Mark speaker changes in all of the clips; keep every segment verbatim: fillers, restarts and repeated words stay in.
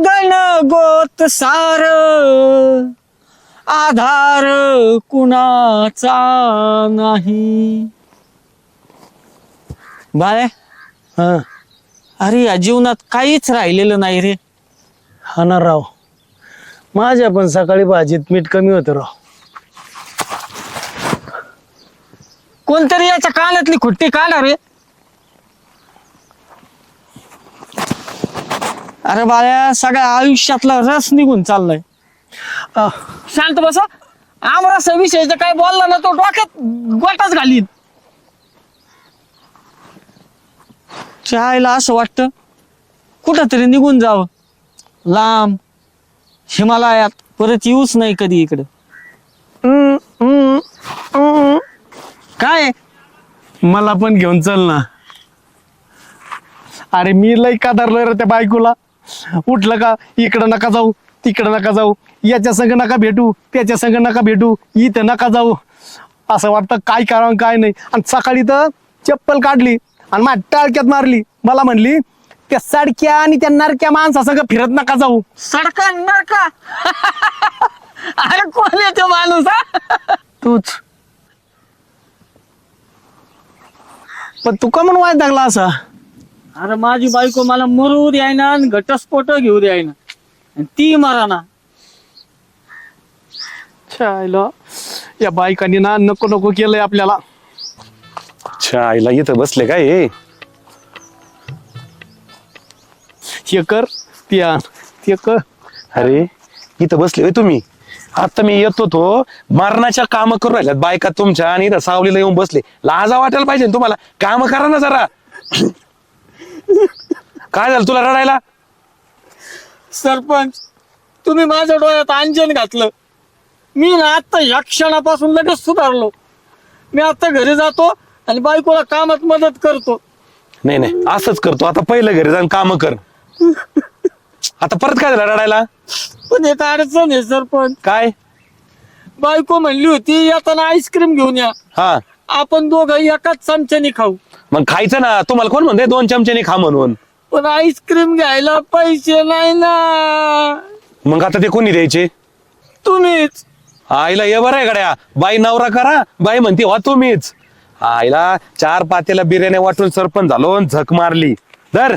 Speaker 1: गगन गोत सार आधार कुणाचा नाही. बाळे
Speaker 2: हा
Speaker 1: अरे या जीवनात काहीच राहिलेलं नाही रे.
Speaker 2: हा ना राव, माझ्या पण सकाळी भाजीत मीठ कमी होतं राव.
Speaker 1: कोणतरी याच्या कानातली खुट्टी काढा रे. अरे बाळ्या सगळ्या आयुष्यातला रस निघून चाललाय.
Speaker 2: आ,
Speaker 1: शांत बस. आमरसा विषयीचं काय बोलला ना तो डोक्यात गोटाच घालीन. चायला असं वाटतं कुठं तरी निघून जावं लांब हिमालयात, परत येऊच नाही कधी इकडं.
Speaker 2: हम्म, हम्म, हम्म.
Speaker 1: काय
Speaker 2: मला पण घेऊन चल ना. अरे मी लई कादारलोय रे त्या बायकोला. उठलं का इकडं नका जाऊ, तिकडं नका जाऊ, याच्या संग नका भेटू, त्याच्या संग नका भेटू, इथं नका जाऊ. असं वाटतं काय करावं काय नाही. आणि सकाळी तर चप्पल काढली आणि माझ्या टाळक्यात मारली. मला म्हणली त्या सडक्या आणि त्या नरक्या माणसा संग फिरत नका जाऊ.
Speaker 1: सडका नरका. अरे कोण येतो माणूस हा?
Speaker 2: तूच. पण तू का म्हणून वाईट लागला असा?
Speaker 1: अरे माझी बायको मला मरू द्यायना आणि घटस्फोट घेऊ द्यायना आणि ती मराना.
Speaker 2: छायला या बायकांनी ना नको नको केलंय आपल्याला.
Speaker 3: अच्छा आईला इथं बसले काय हे?
Speaker 2: हे कर ते आण, ते कर.
Speaker 3: अरे इथं बसले होय तुम्ही. आता मी येतो तो मरणाच्या काम करून राहिल्यात बायका तुमच्या आणि इथं सावलीला येऊन बसले. लाजा वाटायला पाहिजे ना तुम्हाला. काम करा ना जरा. काय झालं तुला रडायला?
Speaker 1: सरपंच तुम्ही माझ्या डोळ्यात अंजन घातलं. मी ना आता या क्षणापासून लगेच सुधारलो. मी आता घरी जातो आणि बायकोला कामात मदत करतो.
Speaker 3: नाही नाही असंच करतो आता. पहिलं घरी जाऊन काम कर. आता परत काय झालं रडायला?
Speaker 1: पण एक अडचण आहे सरपंच.
Speaker 3: काय?
Speaker 1: बायको म्हणली होती येताना आईस्क्रीम घेऊन या.
Speaker 3: हा
Speaker 1: आपण दोघं एकाच चमच्याने खाऊ.
Speaker 3: मग खायचं ना. तुम्हाला कोण म्हणते दोन चमच्याने खा म्हणून?
Speaker 1: पण आईस्क्रीम घ्यायला पैसे नाही ना.
Speaker 3: मग आता ते कोणी द्यायचे?
Speaker 1: तुम्हीच.
Speaker 3: आईला ये बरं आहे गड्या. बाई नवरा करा, बाई म्हणते वा तुम्हीच. आईला चार पातेला बिर्याणी वाटून सरपंच झालो आणि झक मारली. धर.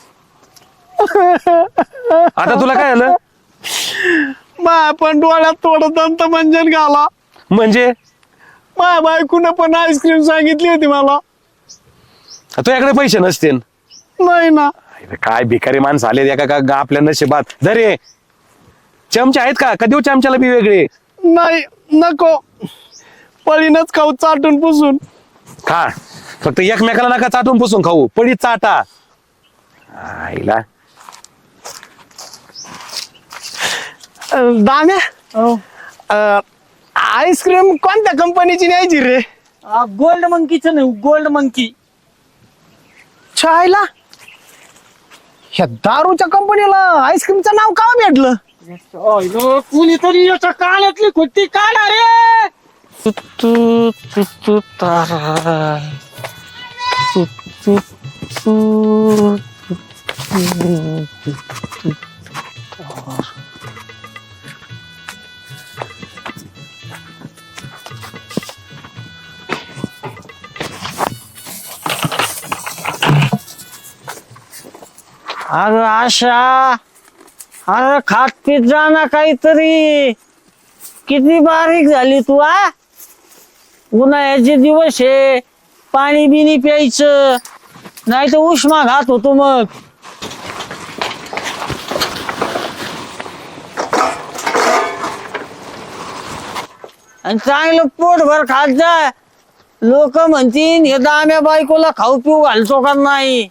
Speaker 3: आता तुला काय झालं?
Speaker 2: माया पण डोळ्यात थोडं दंत मंजन घाला.
Speaker 3: म्हणजे
Speaker 2: माया बायकोनं पण आईस्क्रीम सांगितली होती मला.
Speaker 3: तुझ्याकडे पैसे नसते?
Speaker 2: नाही ना.
Speaker 3: काय भिकारी माणसं आले एका का गा आपल्या नशिबात. धरे चमचे आहेत का? का देऊ चमच्याला बी वेगळे?
Speaker 2: नाही नको. पळीनच खाऊ चाटून पुसून.
Speaker 3: खा फक्त एकमेकाला नका चाटून पुसून खाऊ. पडी चाटा. आईला
Speaker 2: अं, दाम्या
Speaker 1: हो.
Speaker 2: अं, आईस्क्रीम कोणत्या कंपनीची न्यायची रे?
Speaker 1: गोल्ड मंकीचं नाही, गोल्ड मंकी.
Speaker 2: छायला ह्या दारूच्या कंपनीला आईस्क्रीमचं नाव का भेटलं?
Speaker 1: कुणीतरी याच्या कानातली खुट्टी काढा रे. तू तू तू तारा तू तू तू अरे आशा, अरे खात पीत जा ना काहीतरी. किती बारीक झाली तू आ. उन्हाळ्याचे दिवस आहे, पाणी बिनी प्यायचं नाही तर उष्मा घात होतो मग. आणि चांगलं पोटभर खात जा. लोक म्हणतील हे दाम्या बायकोला खाऊ पिऊ घालतो का नाही.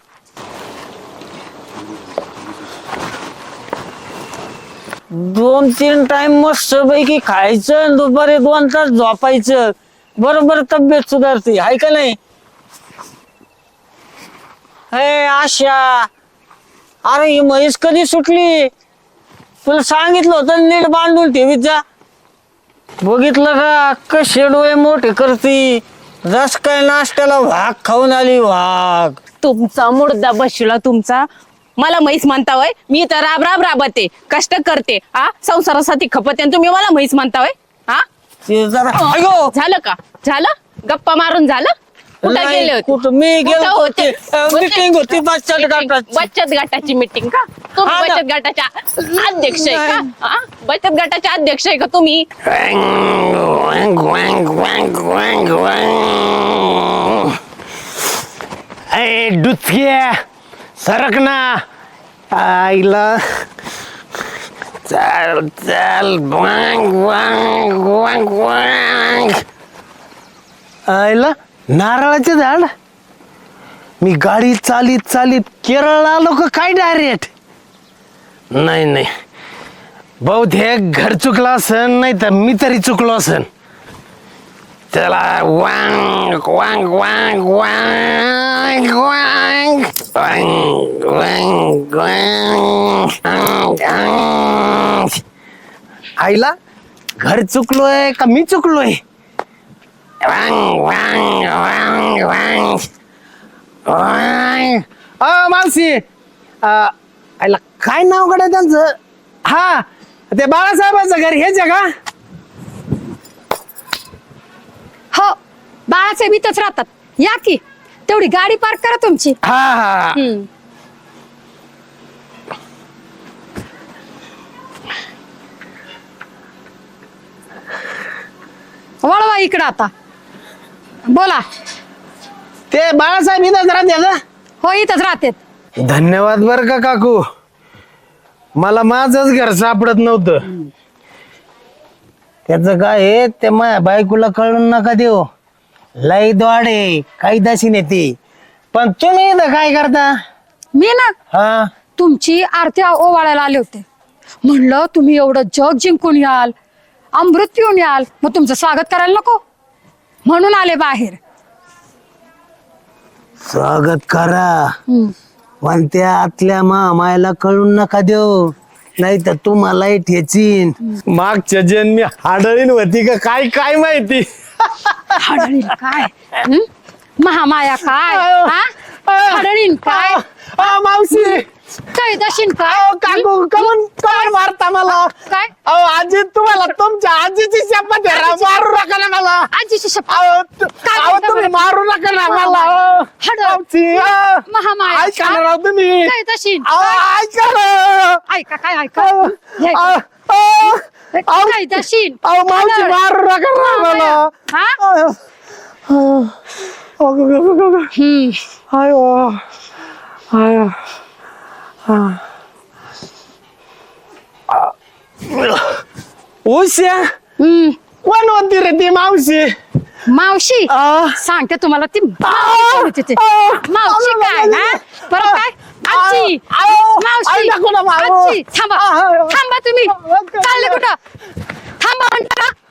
Speaker 1: दोन तीन टाइम मस्त पैकी खायचं आणि दुपारी दोन तास झोपायचं. बरोबर तब्येत सुधारते हाय का नाही. हे आशा, अरे ही म्हैस कधी सुटली? तुला सांगितलं होतं नीट बांधून ठेवीत जा. बघितलं का कसे डोळे मोठे करती. रस काय नाश्त्याला वाघ खाऊन आली वाघ.
Speaker 4: तुमचा मुर्दा बसला तुमचा. मला म्हैस म्हणता होय? मी तर राब राब राबते, कष्ट करते, हा संसारासाठी खपते आणि तुम्ही मला म्हैस म्हणता होय? हा
Speaker 1: ते जरा अयो
Speaker 4: झालं का? झालं गप्पा मारून झालं? कुठं
Speaker 1: नाही,
Speaker 4: गेले होते?
Speaker 1: कुठं मी
Speaker 4: कुठं
Speaker 1: गेलो
Speaker 4: होते?
Speaker 1: होते मीटिंग होती बचत
Speaker 4: Meeting.
Speaker 1: गटाची.
Speaker 4: बचत गटाची मीटिंग का? तुम्ही
Speaker 1: हा ना.
Speaker 4: बचत गटाच्या अध्यक्ष आहे का? हा? बचत गटाचे अध्यक्ष आहे का तुम्ही?
Speaker 2: ए डुचक्या सरक ना आईला चल चल वांग वांग वांग वांग आईला नारळाचे झाड मी गाडी चालीत चालीत केरळला आलो का काय डायरेक्ट नाही नाही बहुतेक घर चुकलं असन नाही तर मी तरी चुकलो असन चला वांग वांग वांग वांग वांग वांग वांग वांग आईला घर चुकलोय का मी चुकलोय वांग वांग वांग वांग वांग अ मावशी अ, आईला काय नाव कडे त्यांचं हा ते बाळासाहेबांचं घर हेच आहे का
Speaker 5: हो बाळासाहेब इथंच राहतात या की तेवढी गाडी पार्क करा तुमची
Speaker 2: हा हा
Speaker 5: हम्म. वळवा इकडं आता बोला
Speaker 2: ते बाळासाहेब इथंच राहते ना
Speaker 5: हो इथंच राहतात
Speaker 2: धन्यवाद बर का काकू मला माझंच घर सापडत नव्हतं त्याच काय आहे ते माझ्या बायकोला कळून नका देऊ लई द्वाडे काही दाशी नेते पण तुम्ही इथं काय करता
Speaker 5: मी ना
Speaker 2: हा
Speaker 5: तुमची आरती ओवाळायला आले होते म्हणलं तुम्ही एवढं जग जिंकून याल अमृत पिऊन याल मग तुमचं स्वागत करायला नको म्हणून आले बाहेर
Speaker 2: स्वागत करा
Speaker 5: हम्म.
Speaker 2: पण त्या आतल्या मामायला कळून नका देऊ नाही तर तुम्हालाही ठेचीन मागच्या जन्मी हाडळीन होती का काय काय माहिती
Speaker 5: हाडळीन काय हम्म? महामाया काय हा? हाडळीन काय
Speaker 2: अ, मावशी
Speaker 5: काय दशीन काय
Speaker 2: अहो, काकू कमन कमन मारता मला
Speaker 5: काय
Speaker 2: अहो आजी तुम्हाला तुमच्या आजीची शपथ आहे राव, मारू नका ना मला
Speaker 5: आजीची शपथ
Speaker 2: अहो तु-
Speaker 5: काय
Speaker 2: अहो,
Speaker 5: म्हणता
Speaker 2: तुम्ही
Speaker 5: बरं?
Speaker 2: मारू नका ना मला
Speaker 5: महामाया.
Speaker 2: अहो.
Speaker 5: हाडं.
Speaker 2: मावशी, अहो.
Speaker 5: महामाया
Speaker 2: ऐका ना
Speaker 5: काय?
Speaker 2: राव तुम्ही
Speaker 5: काय दशीन
Speaker 2: अहो, ऐका ना
Speaker 5: ऐका काय ऐका
Speaker 2: अहो,
Speaker 5: हे
Speaker 2: अहो, अहो, अहो,
Speaker 5: काय दशीन
Speaker 2: अहो, मावशी
Speaker 5: हाडळ.
Speaker 2: मारू नका ना मला
Speaker 5: हा?
Speaker 2: अहो, अहो, अगं, अगं, अगं, अगं.
Speaker 5: हम्म.
Speaker 2: आयो आयो उश्या
Speaker 5: हम्म.
Speaker 2: कोण होती रे ती मावशी
Speaker 5: मावशी
Speaker 2: आ?
Speaker 5: सांगते तुम्हाला ती
Speaker 2: आ?
Speaker 5: तिथे
Speaker 2: आ?
Speaker 5: मावशी काय हा परत काय आजी
Speaker 2: आ? आ?
Speaker 5: मावशी
Speaker 2: आई नको ना मारू.
Speaker 5: आजी थांबा
Speaker 2: आ?
Speaker 5: थांबा तुम्ही चालले कुठं थांबा म्हणता का?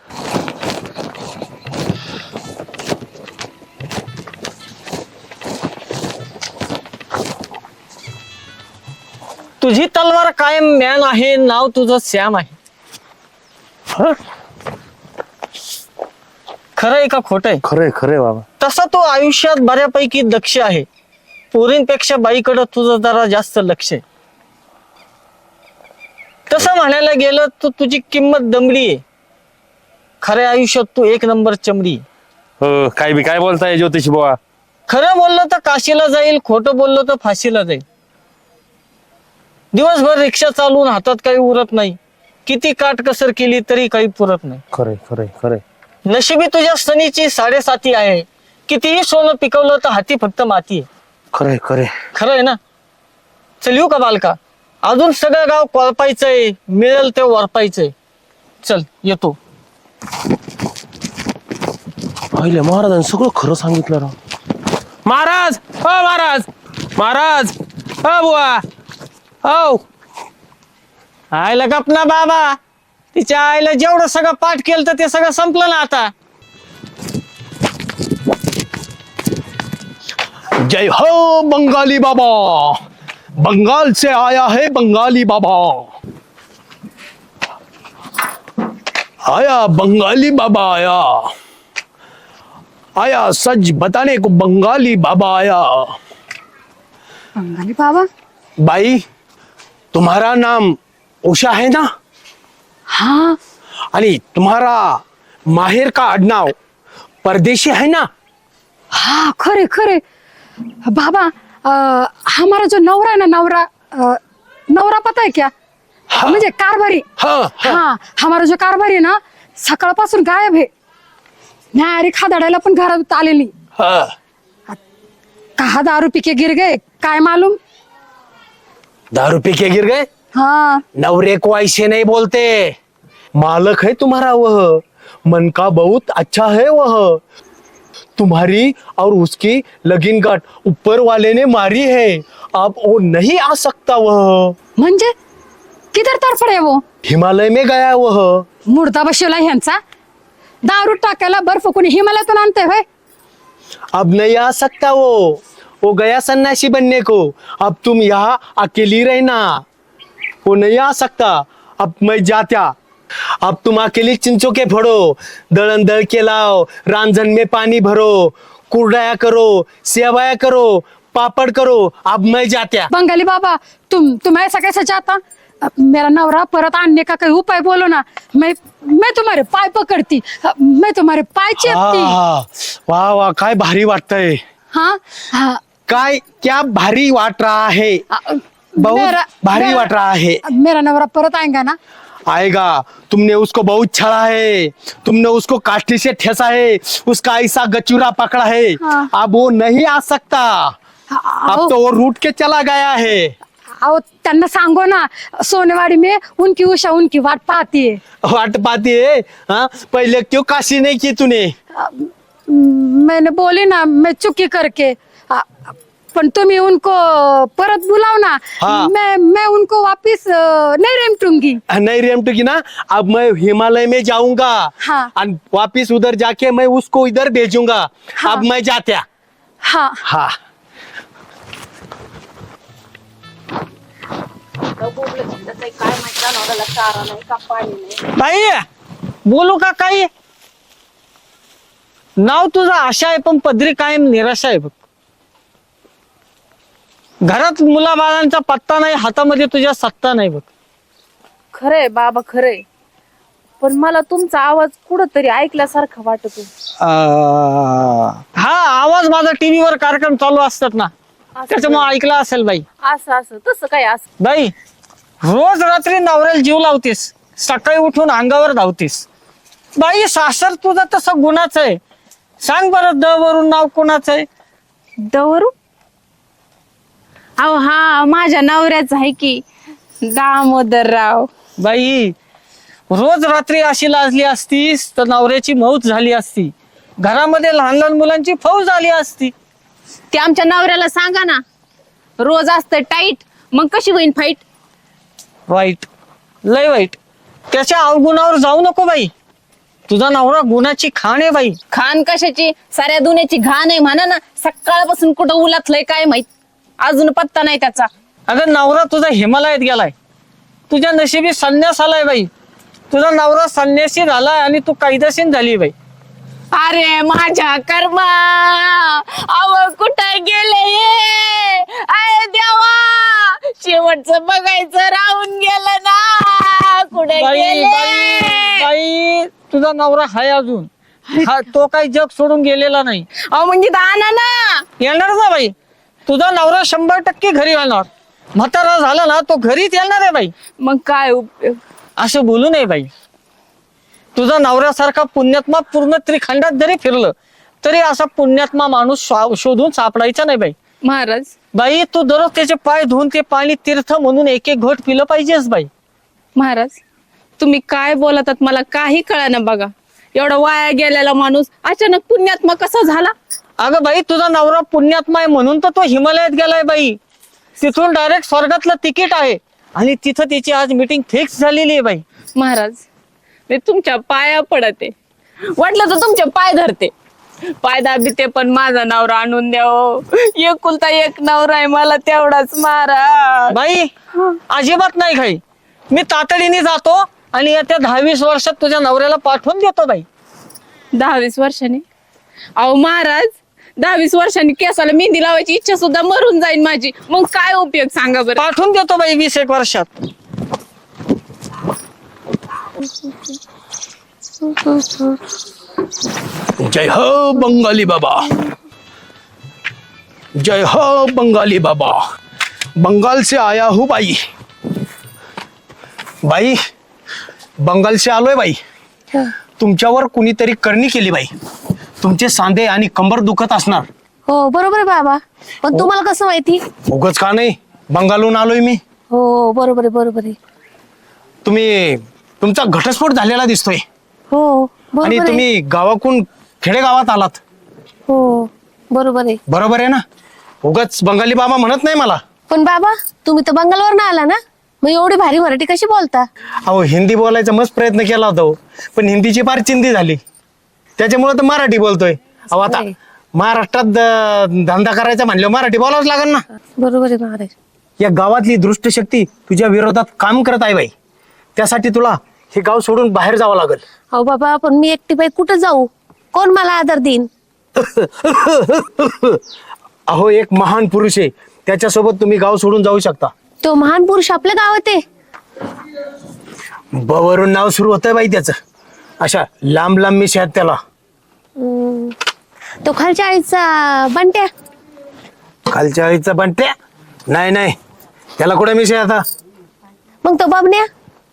Speaker 1: तुझी तलवार कायम म्यान आहे नाव तुझं श्याम आहे
Speaker 2: हं?
Speaker 1: खरं आहे का खोट आहे
Speaker 2: खरंय खरंय बाबा
Speaker 1: तसा तो आयुष्यात बऱ्यापैकी दक्ष आहे पोरींपेक्षा बाईकडं तुझं जरा जास्त लक्ष आहे तसं म्हणायला गेलं तर तुझी किंमत दमडी आहे खऱ्या आयुष्यात तू एक नंबर चमडी आहे.
Speaker 3: हो काय बी काय बोलताय ज्योतिषी बुवा
Speaker 1: खरं बोललं तर काशीला जाईल खोटं बोललं तर फाशीला जाईल दिवसभर रिक्षा चालवून हातात काही उरत नाही किती काटकसर केली तरी काही पुरत नाही
Speaker 2: खरंय खरंय खरंय
Speaker 1: नशिबी तुझ्या सनीची साडेसाती आहे कितीही सोनं पिकवलं तर हाती फक्त माती आहे
Speaker 2: खरंय खरंय
Speaker 1: खरं आहे ना चल येऊ का बालका अजून सगळं गाव कोळपायचंय मिळेल ते वरपायचंय चल येतो
Speaker 3: पहिले महाराजांनी सगळं खरं सांगितलं राव महाराज हो महाराज महाराज हो बुवा हो
Speaker 1: आईला गपना बाबा तिच्या आईला जेवढं सगळं पाठ केलं तर ते सगळं संपलं ना आता
Speaker 2: जय हो बंगाली बाबा बंगाल से आया है बंगाली बाबा आया बंगाली बाबा आया आया सच बताने को बंगाली बाबा आया
Speaker 5: बंगाली बाबा
Speaker 2: बाई, तुम्हारा नाम उषा है ना?
Speaker 5: हाँ
Speaker 2: आणि तुम्हारा माहेर का आडनाव परदेशी है ना?
Speaker 5: हाँ खरे खरे बाबा, अ, हमारा जो नवरा है ना, नवरा अ, नवरा पता है क्या? म्हणजे कारभारी.
Speaker 2: हाँ, हाँ.
Speaker 5: हाँ हमारा जो कारभारी है ना, सकाळपासून गायब आहे. न्यारी खादाडायला पण घरात आलेली.
Speaker 2: हाँ.
Speaker 5: कहा दारू पी के गिर गए काय मालूम.
Speaker 2: दारू पी के गिर गए?
Speaker 5: हाँ
Speaker 2: नवरे को ऐसे नहीं बोलते. मालक है तुम्हारा वह, मन का बहुत अच्छा है वह. तुम्हारी और उसकी लगीन गाठ ऊपर वाले ने मारी है. अब वो नहीं आ सकता वह.
Speaker 5: म्हणजे किधर तरफडे वो.
Speaker 2: हिमालय में गया वह.
Speaker 5: मुर्दा बसवला ह्यांचा. दारू टाकायला बर्फ कोणी हिमालयातून आणते होय.
Speaker 2: अब नहीं आ सकता वो. वो गया सन्यासी बनने को. अब तुम यहाँ अकेली रहना. वो नहीं आ सकता. अब मैं जात्या. अब तुम अकेली चिंचों के फोड़ो, दळण दळ के लाओ, रांझन में पानी भरो, कुरडाया करो, सेवाया करो, पापड़ करो. अब मैं जात्या.
Speaker 5: बंगाली बाबा, तुम तुम ऐसा कैसे चाहता. अ, मेरा नवरा परत आणने का कोई उपाय बोलो ना. मैं मैं तुम्हारे पाय पकडती. अ, मैं तुम्हारे पाय चेपती.
Speaker 2: आ, वाह वाह, काय भारी वाटतंय.
Speaker 5: हाँ हाँ
Speaker 2: काय क्या भारी वाट रहा है.
Speaker 5: अ,
Speaker 2: बहुत
Speaker 5: मेरा-
Speaker 2: भारी
Speaker 5: मेरा-
Speaker 2: वाट रहा है.
Speaker 5: मेरा नवरा परत आएगा ना.
Speaker 2: आएगा. तुमने उसको बहुत छड़ा है, तुमने उसको काठी से ठेसा है, उसका ऐसा गचूरा पकड़ा है.
Speaker 5: हाँ.
Speaker 2: अब वो नहीं आ सकता. अब
Speaker 5: अहो
Speaker 2: तो वो रूट के चला गया है.
Speaker 5: अहो, त्यांना सांगो ना, सोनेवाडी में उनकी उषा उनकी वाट पाती है.
Speaker 2: वाट पाती है. हाँ, पहले क्यों काशी नहीं की तूने.
Speaker 5: अ, मैंने बोली ना, मैं चुकी करके. अ, पण तुम्ही उनको परत बुलाओ ना.
Speaker 2: हाँ.
Speaker 5: मैं मैं उनको वापिस अ, नहीं रेमटूंगी.
Speaker 2: नहीं रेमटू की ना. अब मैं हिमालय में जाऊंगा.
Speaker 5: हाँ.
Speaker 2: और वापिस उधर जाके मैं उसको इधर भेजूंगा.
Speaker 5: हाँ.
Speaker 2: अब मैं जात्या.
Speaker 5: हाँ
Speaker 2: हाँ.
Speaker 1: बाई, बोलू का काही. नाव तुझं आशा आहे, पण पदरी कायम निराशा आहे बघ. घरात मुलाबाळांचा पत्ता नाही, हातामध्ये तुझ्या सत्ता नाही बघ.
Speaker 4: खरंय बाबा खरंय, पण मला तुमचा आवाज कुठंतरी ऐकल्यासारखं वाटतो.
Speaker 1: हा आवाज माझा टीव्हीवर कार्यक्रम चालू असतात ना, त्याच्यामुळे ऐकला असेल बाई.
Speaker 4: असं असं तसं काय असं.
Speaker 1: बाई, रोज रात्री नवऱ्याला जीव लावतीस, सकाळी उठून अंगावर धावतीस. बाई, सासर तुझं तसं गुणाचं आहे. सांग बरं, द वरून नाव कोणाचं आहे.
Speaker 4: दवरू. अहो हा माझ्या नवऱ्याच आहे की, दामोदरराव.
Speaker 1: बाई, रोज रात्री अशी लाजली असतीस तर नवऱ्याची मौत झाली असती. घरामध्ये लहान लहान मुलांची फौज झाली असती.
Speaker 4: ते आमच्या नवऱ्याला सांगा ना, रोज असतं टाईट, मग कशी होईन फाईट.
Speaker 1: वाईट, लय वाईट. त्याच्या अवगुणावर जाऊ नको बाई. तुझा नवरा गुणाची खाण आहे बाई.
Speaker 4: खान कशाची, साऱ्या दुन्याची घाण आहे म्हणा ना. सकाळपासून कुठं उलातलंय काय माहित, अजून पत्ता नाही त्याचा.
Speaker 1: अगं, नवरा तुझा हिमालयात गेलाय. तुझ्या नशिबी संन्यास आलाय बाई. तुझा नवरा संन्यासी झालाय आणि तू कायदेशीर झाली बाई.
Speaker 4: अरे माझ्या कर्मा, अव कुठं गेले अरे देवा, शेवटचं बघायचं राहून गेलं ना. कुठे
Speaker 1: बाई बाई
Speaker 4: गेले.
Speaker 1: बाई, तुझा नवरा हाय अजून. हा, तो काही जग सोडून गेलेला नाही.
Speaker 4: अहो म्हणजे दाना ना.
Speaker 1: येणार ना बाई. तुझा नवरा शंभर टक्के घरी येणार. म्हातारा झाला ना, तो घरीच येणार आहे बाई.
Speaker 4: मग काय उपयोग.
Speaker 1: असं बोलू नये बाई. तुझा नवऱ्यासारखा पुण्यात्मा पूर्ण त्रिखंडात जरी फिरलं तरी असा पुण्यात्मा माणूस शो- शोधून सापडायचा नाही बाई.
Speaker 4: महाराज.
Speaker 1: बाई, तू दररोज त्याचे पाय धुवून ते पाणी तीर्थ म्हणून एक एक घोट पिलं पाहिजेस बाई.
Speaker 4: महाराज, तुम्ही काय बोलतात मला काही कळना बघा. एवढा वाया गेलेला माणूस अचानक पुण्यात्मा कसा झाला.
Speaker 1: अगं बाई, तुझा नवरा पुण्यात्मा आहे म्हणून तर तो हिमालयात गेलाय बाई. तिथून डायरेक्ट स्वर्गातलं तिकीट आहे आणि तिथं त्याची आज मीटिंग फिक्स झालेली आहे बाई.
Speaker 4: महाराज, मी तुमच्या पाया पडते, वाटलं तर तुमचे पाय धरते, पाय दाबते, पण माझा नवरा आणून द्याव. एकुलता एक नवरा आहे मला, तेवढाच महाराज.
Speaker 1: बाई, अजिबात नाही काही. मी तातडीने जातो आणि येत्या दहावीस वर्षात तुझ्या नवऱ्याला पाठवून देतो बाई.
Speaker 4: दहा वीस वर्षांनी. अहो महाराज, दहा वीस वर्षांनी केसाला मेहंदी लावायची इच्छा सुद्धा मरून जाईल माझी. मग काय उपयोग सांगा बरं.
Speaker 1: पाठवून देतो बाई वीस एक वर्षात.
Speaker 2: जय हो बंगाली बाबा, जय हो बंगाली बाबा, बंगाल से आया हूँ बाई. बाई बंगाल से आलोय बाई. तुमच्यावर कुणीतरी करणी केली बाई. तुमचे सांधे आणि कंबर दुखत असणार.
Speaker 6: हो बरोबर आहे बाबा, पण तुम्हाला कसं माहिती?
Speaker 2: उगच का नाही, बंगालहून आलोय मी.
Speaker 6: हो बरोबर आहे बरोबर आहे.
Speaker 2: तुम्ही तुमचा घटस्फोट झालेला दिसतोय
Speaker 6: हो
Speaker 2: आणि
Speaker 6: बरोबर आहे.
Speaker 2: तुम्ही गावाकून खेडेगावात आलात.
Speaker 6: हो बरोबर आहे.
Speaker 2: बरोबर आहे ना? उगच बंगाली बाबा म्हणत नाही मला.
Speaker 6: पण बाबा तुम्ही तर बंगालवर ना आला ना, मग एवढी भारी मराठी कशी बोलता?
Speaker 2: अहो हिंदी बोलायचा मस्त प्रयत्न केला होता हो. पण हिंदीची फार चिंदी झाली, त्याच्यामुळे तर मराठी बोलतोय. अहो आता
Speaker 6: होय.
Speaker 2: महाराष्ट्रात द- धंदा करायचा म्हणल्यावर मराठी बोलावंच लागेल ना.
Speaker 6: बरोबर आहे महाराज.
Speaker 2: या गावातली दृष्टशक्ती तुझ्या विरोधात काम करत आहे बाई. त्यासाठी तुला हे गाव सोडून बाहेर जावं लागेल.
Speaker 6: अहो बाबा, पण मी एकटी बाई कुठं जाऊ? कोण मला आदर देईन?
Speaker 2: अहो एक महान पुरुष आहे, त्याच्यासोबत तुम्ही गाव सोडून जाऊ शकता.
Speaker 6: तो महान पुरुष आपल्या गावात आहे?
Speaker 2: ब वरून नाव सुरू होतंय बाई त्याचं. अशा लांब लांब मिशी आहेत त्याला.
Speaker 6: हम्म. तो खालच्या आईचा बंट्या?
Speaker 2: खालच्या आईचा बंट्या? नाही नाही, त्याला कुठे मिशी आहे आता.
Speaker 6: मग तो बबन्या?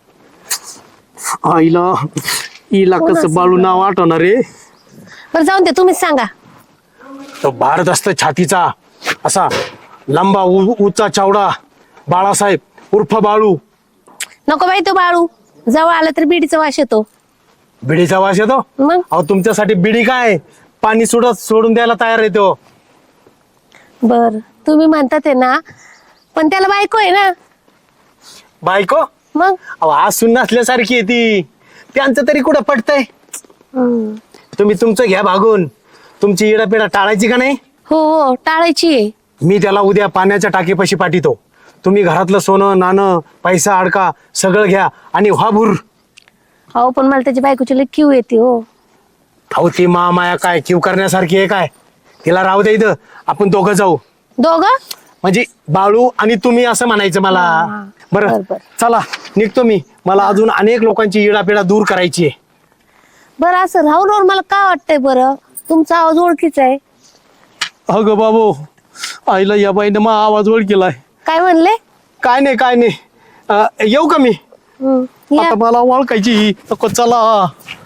Speaker 2: आईला हिला कसं बाळू नाव आठवणार रे.
Speaker 6: बरं जाऊन दे, तुम्हीच सांगा.
Speaker 2: तो भारत असत छातीचा असा लंबा उ- उचा चावडा बाळासाहेब उर्फ बाळू.
Speaker 6: नको बाई तो बाळू, जवळ आला तर बिडीचा वास येतो.
Speaker 2: बिडीचा वास येतो.
Speaker 6: मग
Speaker 2: अहो तुमच्यासाठी बिडी काय, पाणी सोडत सोडून द्यायला तयार आहे तो.
Speaker 6: बर तुम्ही म्हणतात आहे ना, पण त्याला बायको आहे ना.
Speaker 2: बायको?
Speaker 6: मग
Speaker 2: अहो आज सुन नसल्यासारखी आहे ती. त्यांचं तरी कुठं पटतंय.
Speaker 6: हम्म.
Speaker 2: तुम्ही तुमचं घ्या भागून, तुमची इडापिडा टाळायची का नाही.
Speaker 6: हो हो टाळायची आहे.
Speaker 2: मी त्याला उद्या पाण्याच्या टाकीपाशी पाठवतो. तुम्ही घरातलं सोनं नाणं पैसा अडका सगळं घ्या आणि व्हाभूर.
Speaker 6: हो पण मला त्याची बायकोची लई क्यू येते हो.
Speaker 2: अहो ती माया काय किव करण्यासारखी आहे काय. तिला राहू दे इथं, आपण दोघं जाऊ.
Speaker 6: दोघं?
Speaker 2: म्हणजे बाळू आणि तुम्ही असं म्हणायचं मला. बरं
Speaker 6: बरं, बरं.
Speaker 2: चला निघतो मी. मला अजून अनेक लोकांची इडापिडा दूर करायची आहे.
Speaker 6: बरं असं राहून राहून मला काय वाटतंय बरं, तुमचा आवाज ओळखीचा आहे.
Speaker 2: अगं बाबू, आईला या बाईने मग आवाज ओळ केलाय.
Speaker 6: काय म्हणले?
Speaker 2: काय नाही काय नाही. अं, येऊ का मी?
Speaker 6: हम्म, या.
Speaker 2: आता मला ओळखायची ही. नको चला.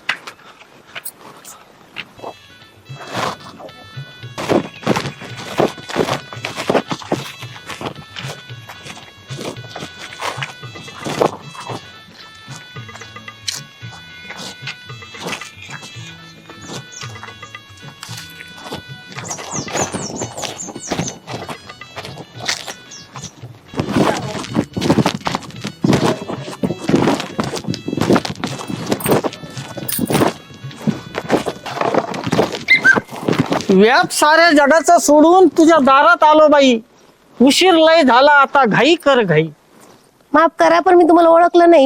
Speaker 1: व्याप साऱ्या जगाचं सोडून तुझ्या दारात आलो बाई. उशीर लय झाला, आता घाई कर घाई.
Speaker 6: माफ करा पण मी तुम्हाला ओळखलं नाही.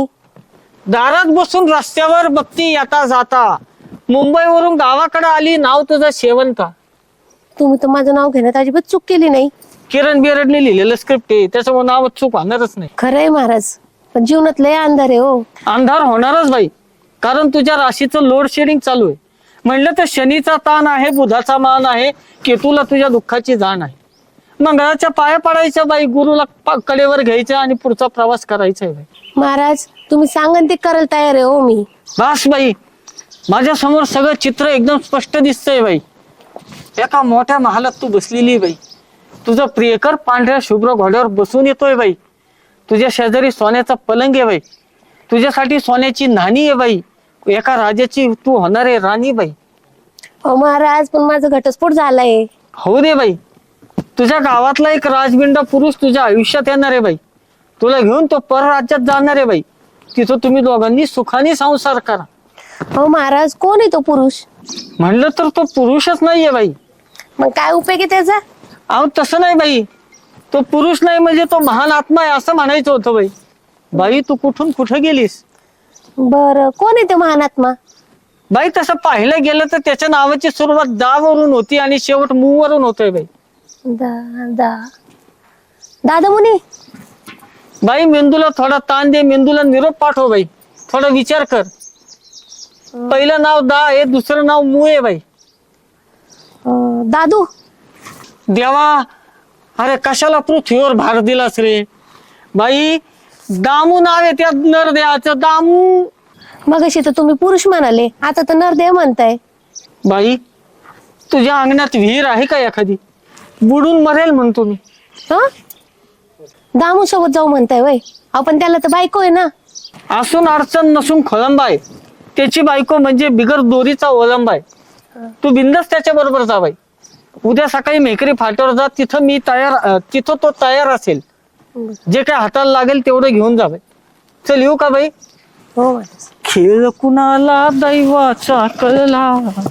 Speaker 1: दारात बसून रस्त्यावर बघती येता जाता. मुंबईवरून गावाकडे आली, नाव तुझं शेवंता.
Speaker 6: तुम्ही तर माझं नाव घेण्यात अजिबात चूक केली नाही.
Speaker 1: किरण बिरडने लिहिलेलं स्क्रिप्ट आहे, त्याच्यामुळे नाव चूक होणारच नाही.
Speaker 6: खरंय महाराज, पण जीवनात लय अंधार आहे हो.
Speaker 1: अंधार होणारच बाई, कारण तुझ्या राशीचं लोड शेडिंग चालू आहे. म्हणलं तर शनीचा ताण आहे, बुधाचा मान आहे, केतूला तुझ्या दुःखाची जाण आहे. मंगळाच्या पाया पडायचं बाई, गुरुला प- कडेवर घ्यायचं आणि पुढचा प्रवास करायचा आहे बाई.
Speaker 6: महाराज तुम्ही सांगन ते करायला तयार आहे हो मी.
Speaker 1: बस बाई, माझ्या समोर सगळं चित्र एकदम स्पष्ट दिसतंय बाई. एका मोठ्या महालात तू बसलेली आहे बाई. तुझं प्रियकर पांढऱ्या शुभ्र घोड्यावर बसून येतोय बाई. तुझ्या शेजारी सोन्याचा पलंग आहे बाई. तुझ्यासाठी सोन्याची नाणी आहे बाई. एका राजाची तू होणार आहे राणी बाई.
Speaker 6: हो महाराज, पण माझा घटस्फोट झालाय.
Speaker 1: हो दे बाई, तुझ्या गावातला एक राजबिंड पुरुष तुझ्या आयुष्यात येणार आहे बाई. तुला घेऊन तो परराज्यात जाणार आहे बाई. तिथं तुम्ही दोघांनी सुखाने संसार करा.
Speaker 6: हो महाराज, कोण आहे तो पुरुष?
Speaker 1: म्हणलं तर तो पुरुषच नाहीये बाई.
Speaker 6: मग काय उपयोग आहे त्याचा?
Speaker 1: अहो तसं नाही बाई, तो पुरुष नाही म्हणजे तो महान आत्मा आहे असं म्हणायचं होतं बाई. बाई तू कुठून कुठं गेलीस?
Speaker 6: बर कोण आहे तो महानात्मा?
Speaker 1: बाई तसं पाहिलं गेलं तर त्याच्या नावाची सुरुवात दा वरून होती आणि शेवट मू वरून होतोय बाई.
Speaker 6: दादा दादा मुनी
Speaker 1: बाई मेंदूला थोडा ताण दे, मेंदूला निरोप पाठव बाई, थोडा विचार कर. पहिलं नाव दा आहे, दुसरं नाव मू आहे बाई.
Speaker 6: अं, दादू
Speaker 1: देवा, अरे कशाला पृथ्वीवर भार दिलास रे बाई. दामू नाव आहे त्यात नरदेवाचं, दामू.
Speaker 6: मगाशी तर तुम्ही पुरुष म्हणाले, आता तर नरदेव म्हणताय.
Speaker 1: बाई तुझ्या अंगणात विहीर आहे का एखादी? बुडून मरेल म्हणतो मी.
Speaker 6: हं दामू सोबत जाऊ म्हणताय वय? आपण त्याला तर बायको आहे ना.
Speaker 1: असून अडचण नसून खोळंबा आहे. त्याची बायको म्हणजे बिगर दोरीचा ओलंबा आहे. तू बिंदास त्याच्या बरोबर जा बाई. उद्या सकाळी मेकरी फाट्यावर जा, तिथं मी तयार अं, तिथं तो तयार असेल. जे काय हाताला लागेल तेवढं घेऊन जा बाई. चल येऊ का बाई?
Speaker 6: हो माणूस.
Speaker 1: खेळ कुणाला दैवाचा कळला.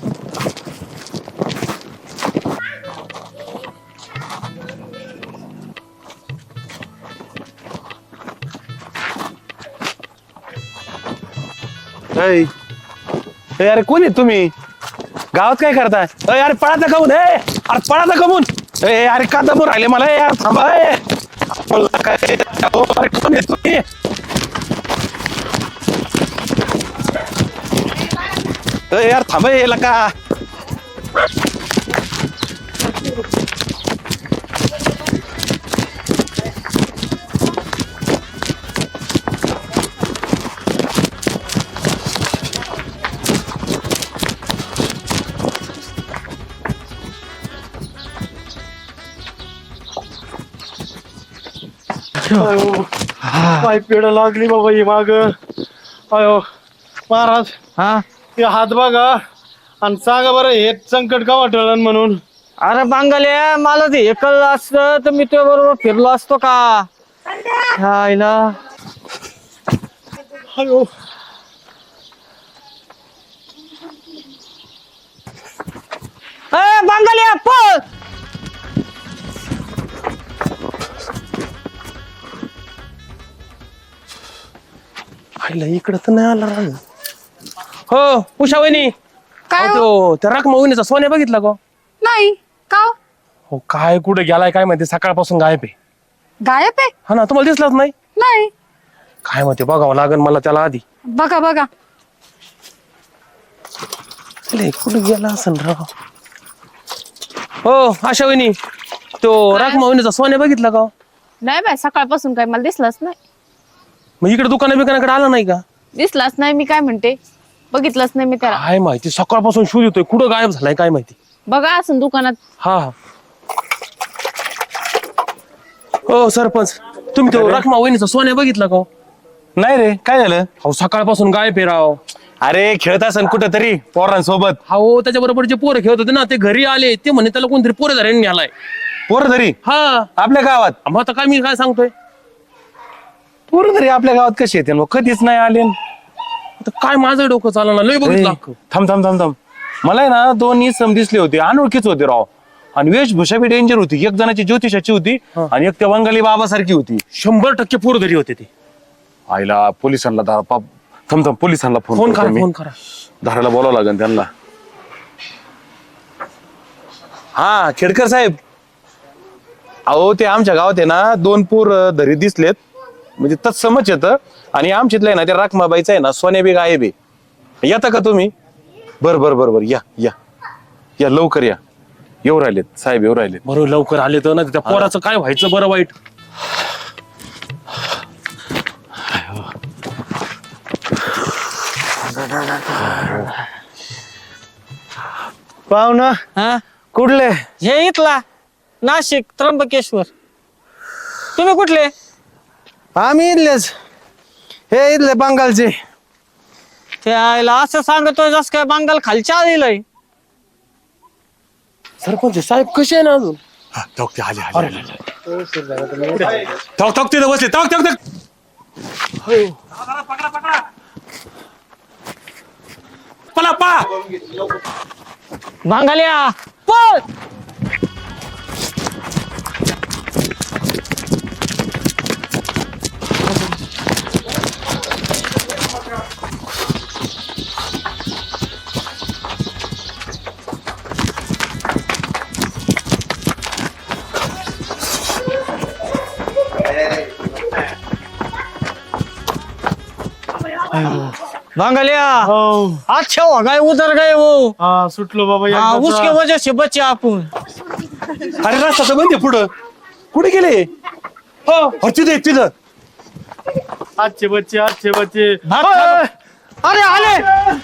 Speaker 3: ऐ, ऐ, अरे कोण आहे तुम्ही? गावात काय करताय? अरे अरे पळाचा कमून, ए अरे पळाचा कमून. ए अरे का दमून राहिले मला यार, थांबा. ए. बोलला काय? अहो, अरे कोण आहे तुम्ही? ए यार थांबा याला का.
Speaker 2: पाय पेड लागली बाबा ही माग. अयो महाराज,
Speaker 1: हा
Speaker 2: हे हात बघा आणि सांगा बरं हे संकट का वाटलं म्हणून.
Speaker 1: अरे बांगल्या, मला ते एकल असतं तर मी तुझ्या बरोबर फिरलो असतो का? हायला.
Speaker 2: अयो
Speaker 1: ए बांगल्या पळ.
Speaker 3: इकडं तर नाही आला राग. हो उषा वहिनी,
Speaker 5: काय हो?
Speaker 3: तो त्या रकमा वहिनीचा सोन्या बघितला का?
Speaker 5: नाही का हो?
Speaker 3: हो काय कुठे गेलाय काय माहिती, सकाळपासून गायब आहे.
Speaker 5: गायब आहे?
Speaker 3: हा ना, तुम्हाला दिसलाच नाही?
Speaker 5: नाही.
Speaker 3: काय माहिती, बघावं लागेल मला त्याला आधी.
Speaker 5: बघा बघा.
Speaker 3: अरे कुठे गेला असेल राव. हो आशा वहिनी, तो रकमा वहिनीचा सोन्या बघितला का?
Speaker 4: नाही बाय, सकाळपासून काय मला दिसलाच नाही.
Speaker 3: मग इकडे दुकाना बिकानाकडे आला नाही का?
Speaker 4: दिसलाच नाही. मी काय म्हणते, बघितलंच नाही मी त्याला.
Speaker 3: काय माहिती, सकाळपासून शोध येतोय, कुठं गायब झालाय काय माहिती.
Speaker 4: बघा असं दुकानात.
Speaker 3: हा हा. हो सरपंच, तुम्ही तो रकमा वहिनीचा सोन्या बघितला का?
Speaker 7: नाही रे, काय झालं?
Speaker 3: अहो सकाळपासून गायब आहे राव.
Speaker 7: अरे खेळत असन कुठं तरी पोरांसोबत.
Speaker 3: हो त्याच्या बरोबर जे पोरं खेळत होते ना, ते घरी आले, ते म्हणे त्याला कोणतरी पोरं धरण न्यालाय.
Speaker 7: पोर तरी
Speaker 3: हा,
Speaker 7: आपल्या गावात.
Speaker 3: मग आता काय मी काय सांगतोय.
Speaker 7: पोर तरी आपल्या गावात कशी येते मग? कधीच नाही आले.
Speaker 3: आता काय माझं डोकं चाललं ना, लय बघितलं अख्खं.
Speaker 7: थांब थांब थांब थांब मला आहे ना दोन इसम दिसले होते, अनोळखीच होते राव. आणि वेशभूषा बी डेंजर होती. एक जणाची ज्योतिषाची होती आणि एक त्या बंगाली बाबासारखी होती.
Speaker 3: शंभर टक्के पोरं घरी होते ते.
Speaker 7: आईला पोलिसांना धारा पाप. थांब थांब पोलिसांना फोन
Speaker 3: फोन
Speaker 7: करतो
Speaker 3: करा
Speaker 7: मी.
Speaker 3: फोन करा.
Speaker 7: धाराला बोलावं लागेल त्यांना. हा खेडकर साहेब, अहो ते आमच्या गावात आहे ना दोन पूर धरी दिसलेत, म्हणजे तत्समच येतं. आणि आमच्यातलं आहे ना त्या राखमाबाईचं आहे ना सोन्या बी गायब आहे. येता का तुम्ही? बर बर बर बर या या या लवकर या. येऊ राहिलेत साहेब, येऊ राहिलेत.
Speaker 3: बरोबर लवकर आले तर ना, त्या पोराचं काय व्हायचं बरं वाईट.
Speaker 2: पाहुणा
Speaker 1: हा
Speaker 2: कुठले?
Speaker 1: हे इथला नाशिक त्र्यंबकेश्वर. तुम्ही कुठले?
Speaker 2: आम्ही इथलेच, हे इथले बंगालचे.
Speaker 1: ते आयला असं सांगतोय जस काय बंगाल खालच्या आलेलंय.
Speaker 3: सरपंच साहेब कसे आहे ना अजून?
Speaker 7: ठोक ते आले आले ठोक ठोक तिथे बसले. ठोक ठोक ठोक.
Speaker 3: पळा पळा.
Speaker 1: बांगाल्या पळ. भांगलिया
Speaker 2: हो
Speaker 1: अच्छा हो गए उधर गए वो
Speaker 2: हा सुटलो बाबा
Speaker 1: हाँ,
Speaker 2: एकदाचा.
Speaker 1: उसके वजह से बचे आपण
Speaker 3: अरे रस्ता तर बंद आहे पुढं कुठे गेले हो अरे तिथं आहे, तिथं
Speaker 2: आजचे बच्चे आजचे बच्चे
Speaker 1: भात
Speaker 2: ओय!
Speaker 1: खा. अरे आले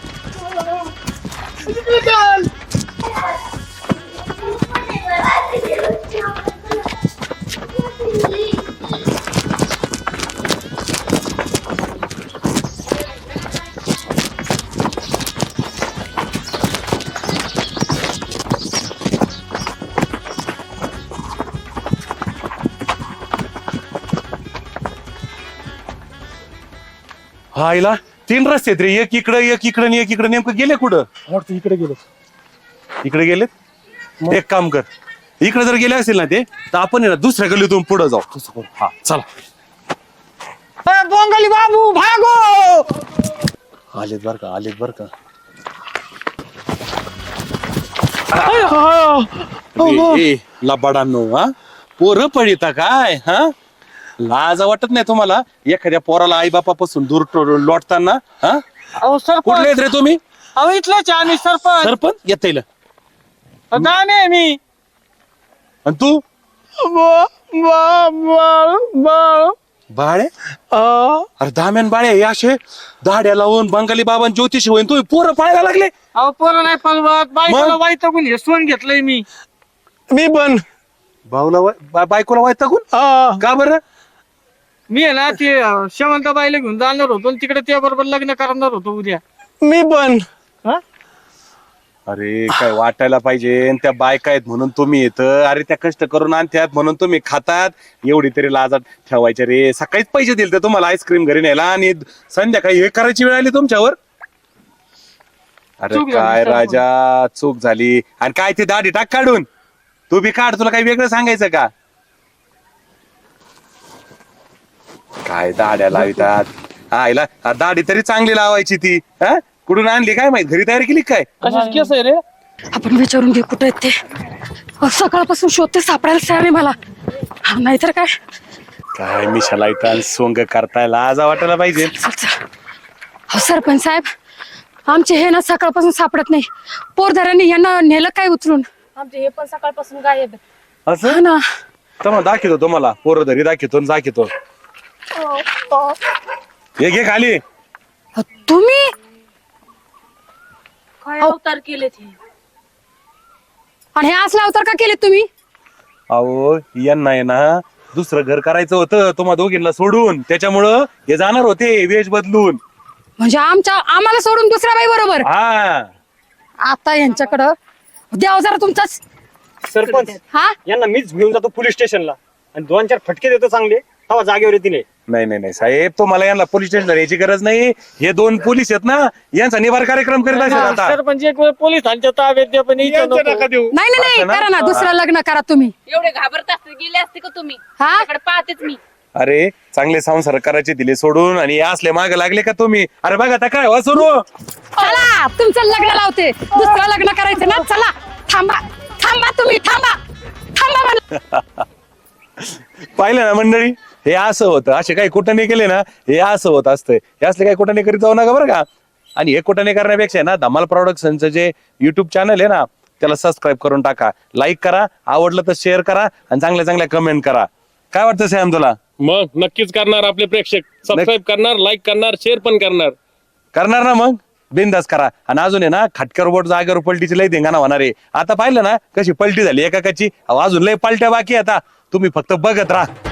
Speaker 3: हा आईला तीन रस्ते आहेत रे एक इकडं एक इकडं आणि एक इकडं नेमकं गेले कुठं
Speaker 2: वाटतं इकडे गेलो
Speaker 3: इकडे गेलेत एक काम कर इकडे जर गेले असतील ना ते तर आपण आहे ना दुसऱ्या गल्लीतून पुढे जाऊ तसं करू. हा चला
Speaker 1: ए, बोंगली बाबू भागो
Speaker 3: आलेत बर का आलेत बर का ए, ए, लबाडांनो हा पोरं पडिता काय हा लाज वाटत नाही तुम्हाला एखाद्या पोराला आई बापापासून दूर टो- लोटताना हा
Speaker 1: अहो
Speaker 3: कुठले
Speaker 1: सरपंच
Speaker 3: आहेत रे तुम्ही
Speaker 1: अहो इथलेच आहे आम्ही सरपंच
Speaker 3: सरपंच येता येईल
Speaker 1: दाने आहे मी
Speaker 3: आणि तू
Speaker 1: ब- ब- ब- ब-
Speaker 3: बाळे
Speaker 1: अहो
Speaker 3: अरे दाम्यान बाळे हे असे दाड्या लावून बंगाली बाबां ज्योतिषी होईन तुम्ही पोरं पाहायला लागले
Speaker 1: अहो पोरं नाही पळवत बायकोला
Speaker 3: मग?
Speaker 1: वाईट हे सोन घेतलंय मी
Speaker 2: मी पण
Speaker 3: भाऊला वै- बा- बायकोला वाईट टाकून
Speaker 2: हा
Speaker 3: का बरं
Speaker 1: मी आहे ना ते अं, शेवंताबाईला घेऊन जाणार होतो आणि तिकडे त्या बरोबर लग्न करणार होतो उद्या
Speaker 2: मी पण
Speaker 1: हा?
Speaker 3: अरे काय वाटायला पाहिजे आणि त्या बायका आहेत म्हणून तुम्ही येतं अरे त्या कष्ट करून आणत्यात म्हणून तुम्ही खातात एवढी तरी लाजात ठेवायचे रे सकाळीच पैसे दिले तर तुम्हाला आईस्क्रीम घरी न्यायला आणि संध्याकाळी हे करायची वेळ आली तुमच्यावर अरे
Speaker 1: चूक झाली,
Speaker 3: काय
Speaker 1: सरपंच.
Speaker 3: राजा चूक झाली आणि काय ती दाढी टाक काढून तू बी काढ तुला काही वेगळं सांगायचं का काय दाड्या लावितात हा आईला हा, दाढी तरी चांगली लावायची ती हा कुठून आणली काय माहित घरी तयारी केली काय
Speaker 1: कशाच केस आहे रे
Speaker 5: आपण विचारून घे कुठे आहेत ते अहो, सकाळपासून शोधते सापडायला तयार नाही मला हा, नाहीतर काय
Speaker 3: काय मिशाला इथं सोंग करताय लाजा वाटायला पाहिजे
Speaker 5: चल चल हो सरपंच साहेब आमचे हे ना सकाळपासून सापडत नाही पोरधाऱ्यांनी यांना नेलं काय उचलून
Speaker 6: आमचे हे पण सकाळपासून गायब आहे.
Speaker 3: असं
Speaker 5: हा ना
Speaker 3: तर मग दाखवतो तुम्हाला पोरं धरी दाखवतो आणि दाखवतो हे घे खाली
Speaker 5: अहो, तुम्ही
Speaker 6: काय अवतार केले ते
Speaker 5: आणि हे असला अवतार का केले तुम्ही
Speaker 3: अहो यांना आहे ना दुसरं घर करायचं होतं तुम्हा दोघींना सोडून त्याच्यामुळं हे जाणार होते वेश बदलून
Speaker 5: म्हणजे आमच्या आम्हाला सोडून दुसऱ्या बाई बरोबर
Speaker 3: हा
Speaker 5: आता यांच्याकडं द्याव जरा तुमचाच
Speaker 8: सरपंच
Speaker 5: हा
Speaker 8: यांना मीच घेऊन जातो पोलीस स्टेशनला आणि दोन चार फटके देतो चांगले तेव्हा जागेवर येतील हे.
Speaker 3: नाही नाही नाही साहेब तुम्हाला यांना पोलीस स्टेशनला यायची गरज नाही हे दोन पोलीस आहेत ना यांचा निवार कार्यक्रम करीत असेल आता
Speaker 1: सरपंच एक वेळ पोलिसांच्या ताब्यात द्या पण इथं
Speaker 2: यांचं
Speaker 1: नको.
Speaker 2: नका देऊ
Speaker 5: नाही नाही नाही
Speaker 3: असं ना?
Speaker 5: करा ना दुसरं लग्न करा तुम्ही
Speaker 4: एवढे घाबरत असते गेले असते का तुम्ही
Speaker 5: हा
Speaker 4: त्याकडे पाहतेच मी
Speaker 3: अरे चांगले संसार करायचे दिले सोडून आणि हे असले मागे लागले का तुम्ही अरे बघा आता काय सुरू
Speaker 5: चला तुमचं लग्न लावते दुसरं लग्न करायचं ना चला थांबा थांबा तुम्ही थांबा थांबा म्हणलं.
Speaker 3: पाहिलं ना मंडळी हे असं होतं असे काही कुठं केले ना हे असं होत असतंय हे असले काही कुठं करीत जाऊ नका बरं का आणि हे कुठं करण्यापेक्षा आहे ना धमाल प्रोडक्शनचं जे युट्यूब चॅनल आहे ना त्याला सबस्क्राईब करून टाका लाईक करा आवडलं तर शेअर करा आणि चांगल्या चांगल्या कमेंट करा काय वाटतं सॅम तुला
Speaker 9: मग नक्कीच करणार आपले प्रेक्षक सबस्क्राईब करणार लाईक करणार शेअर पण करणार
Speaker 3: करणार ना मग बिंदास करा आणि अजून आहे ना खटकर बोट जागेवर पलटीची लय धिंगाणा होणार आहे आता पाहिलं ना कशी पलटी झाली एकाची अजून लय पलट्या बाकी आहे आता तुम्ही फक्त बघत राहा